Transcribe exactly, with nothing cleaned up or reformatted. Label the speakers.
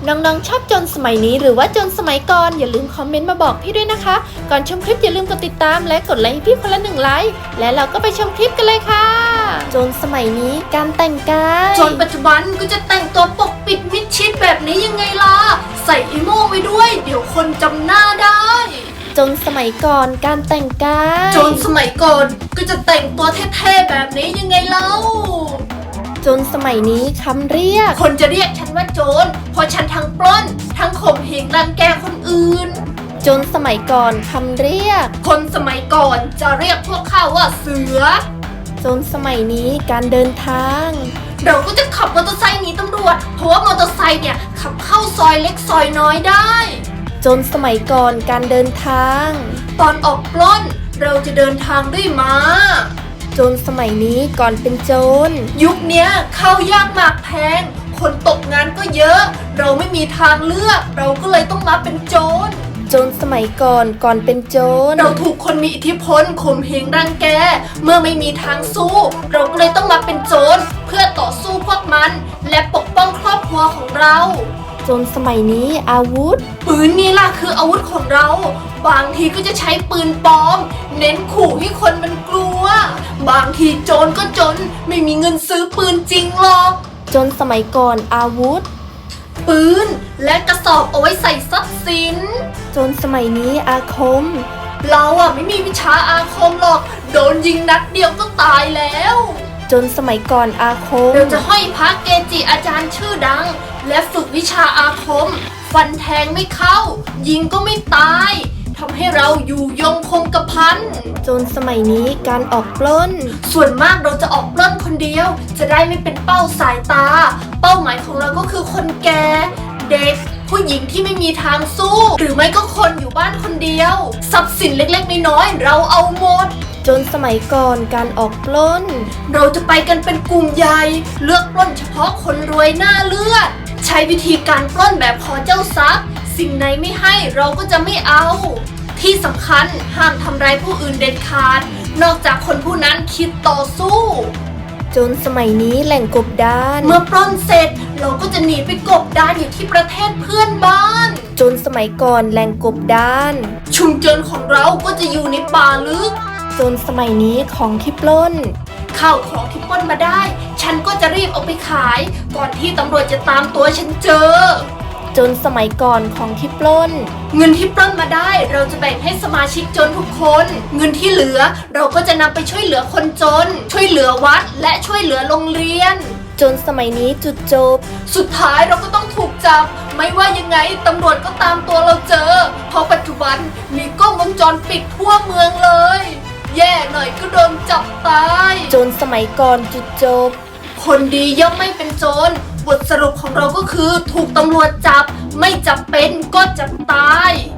Speaker 1: น้องๆชอบโจรสมัยนี้หรือว่าโจรสมัยก่อนอย่าลืมคอมเมนต์มาบอกพี่ด้วยนะคะก่อนชมคลิปอย่าลืมกดติดตามและกดไลค์ให้พี่คนละหนึ่งไลค์และเราก็ไปชมคลิปกันเลยค่ะโจรสมัยนี้การแต่งกาย
Speaker 2: โจรปัจจุบันก็จะแต่งตัวปกปิดมิดชิดแบบนี้ยังไงล่ะใส่อีโม่ไว้ด้วยเดี๋ยวคนจำหน้าได้
Speaker 1: โจรสมัยก่อนการแต่งกาย
Speaker 2: โจรสมัยก่อนก็จะแต่งตัวเท่ๆแบบนี้ยังไงเล่า
Speaker 1: โจรสมัยนี้คำเรียก
Speaker 2: คนจะเรียกฉันว่าโจรเพราะฉันทั้งปล้นทั้งข่มเหงรังแกคนอื่น
Speaker 1: โจรสมัยก่อนคำเรียก
Speaker 2: คนสมัยก่อนจะเรียกพวกข้าว่าเสือ
Speaker 1: โจรสมัยนี้การเดินทาง
Speaker 2: เราก็จะขับมอเตอร์ไซค์หนีตำรวจเพราะว่ามอเตอร์ไซค์เนี่ยขับเข้าซอยเล็กซอยน้อยได้
Speaker 1: โจรสมัยก่อนการเดินทาง
Speaker 2: ตอนออกปล้นเราจะเดินทางด้วยม้า
Speaker 1: โจรสมัยนี้ก่อนเป็นโจร
Speaker 2: ยุคเนี้ยข้าวยากหมากแพงคนตกงานก็เยอะเราไม่มีทางเลือกเราก็เลยต้องมาเป็นโจร
Speaker 1: โจรสมัยก่อนก่อนเป็นโจร
Speaker 2: เราถูกคนมีอิทธิพลข่มเหงรังแกเมื่อไม่มีทางสู้เราก็เลยต้องมาเป็นโจรเพื่อต่อสู้พวกมันและปกป้องครอบครัวของเรา
Speaker 1: โจรสมัยนี้อาวุธ
Speaker 2: ปืนนี่ล่ะคืออาวุธของเราบางทีก็จะใช้ปืนปลอมเน้นขู่ให้คนมันกลัวบางทีโจรก็จนไม่มีเงินซื้อปืนจริงหรอก
Speaker 1: โจรสมัยก่อนอาวุธ
Speaker 2: ปืนและกระสอบเอาไว้ใส่ทรัพย์สิน
Speaker 1: โจรสมัยนี้อาคม
Speaker 2: เราอะไม่มีวิชาอาคมหรอกโดนยิงนัดเดียวก็ตายแล้ว
Speaker 1: โจรสมัยก่อนอาคม
Speaker 2: เราจะห้อยพระเกจิอาจารย์ชื่อดังและฝึกวิชาอาคมฟันแทงไม่เข้ายิงก็ไม่ตายทำให้เราอยู่ยงคงกระพัน
Speaker 1: โจรสมัยนี้การออกปล้น
Speaker 2: ส่วนมากเราจะออกปล้นคนเดียวจะได้ไม่เป็นเป้าสายตาเป้าหมายของเราก็คือคนแก่เด็กผู้หญิงที่ไม่มีทางสู้หรือไม่ก็คนอยู่บ้านคนเดียวทรัพย์สินเล็กๆน้อยๆเราเอาหมด
Speaker 1: โจรสมัยก่อนการออกปล้น
Speaker 2: เราจะไปกันเป็นกลุ่มใหญ่เลือกปล้นเฉพาะคนรวยหน้าเลือดใช้วิธีการปล้นแบบขอเจ้าทรัพย์สิ่งไหนไม่ให้เราก็จะไม่เอาที่สำคัญห้ามทำร้ายผู้อื่นเด็ดขาดนอกจากคนผู้นั้นคิดต่อสู้
Speaker 1: โจรสมัยนี้แหล่งกบดาน
Speaker 2: เมื่อปล้นเสร็จเราก็จะหนีไปกบดานอยู่ที่ประเทศเพื่อนบ้าน
Speaker 1: โจรสมัยก่อนแหล่งกบดาน
Speaker 2: ชุมชนของเราก็จะอยู่ในป่าลึก
Speaker 1: โจรสมัยนี้ของที่ปล้น
Speaker 2: ข้าวของที่ปล้นมาได้ฉันก็จะรีบเอาไปขายก่อนที่ตำรวจจะตามตัวฉันเจอ
Speaker 1: โจรสมัยก่อนของที่ปล้น
Speaker 2: เงินที่ปล้นมาได้เราจะแบ่งให้สมาชิกจนทุกคนเงินที่เหลือเราก็จะนำไปช่วยเหลือคนจนช่วยเหลือวัดและช่วยเหลือโรงเรียน
Speaker 1: โจรสมัยนี้จุดจบ
Speaker 2: สุดท้ายเราก็ต้องถูกจับไม่ว่ายังไงตำรวจก็ตามตัวเราเจอเพราะปัจจุบันมีกล้องวงจรปิดทั่วเมืองเลยแย่หน่อยก็โดนจับตาย
Speaker 1: โจรสมัยก่อนจุดจบ
Speaker 2: คนดีย่อมไม่เป็นโจรบทสรุปของเราก็คือถูกตำรวจจับไม่จับเป็นก็จับตาย